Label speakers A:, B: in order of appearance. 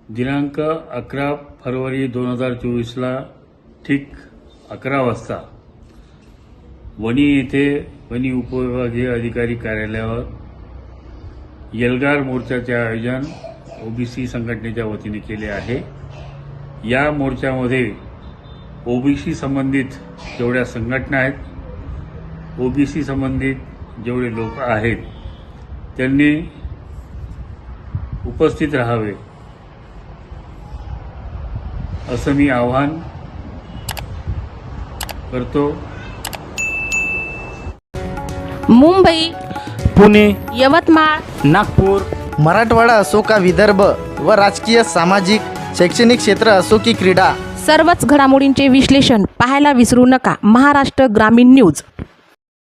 A: दिनांक 11 फरवरी 2024ला ठीक 11 वाजता वणी येथे वणी उपविभागीय अधिकारी कार्यालयावर एल्गार मोर्चाचे आयोजन ओबीसी संघटनेच्या वतीने केले आहे। या मोर्चामध्ये ओबीसी संबंधित जेवढ्या संघटना आहेत, ओबीसी संबंधित जेवढे लोक आहेत त्यांनी उपस्थित राहावे असं मी आवाहन करतो।
B: मुंबई,
C: पुणे,
B: यवतमाळ,
C: नागपूर,
D: मराठवाडा असो का विदर्भ व राजकीय, सामाजिक, शैक्षणिक क्षेत्र असो की क्रीडा,
B: सर्वच घडामोडींचे विश्लेषण पाहायला विसरू नका। महाराष्ट्र ग्रामीण न्यूज।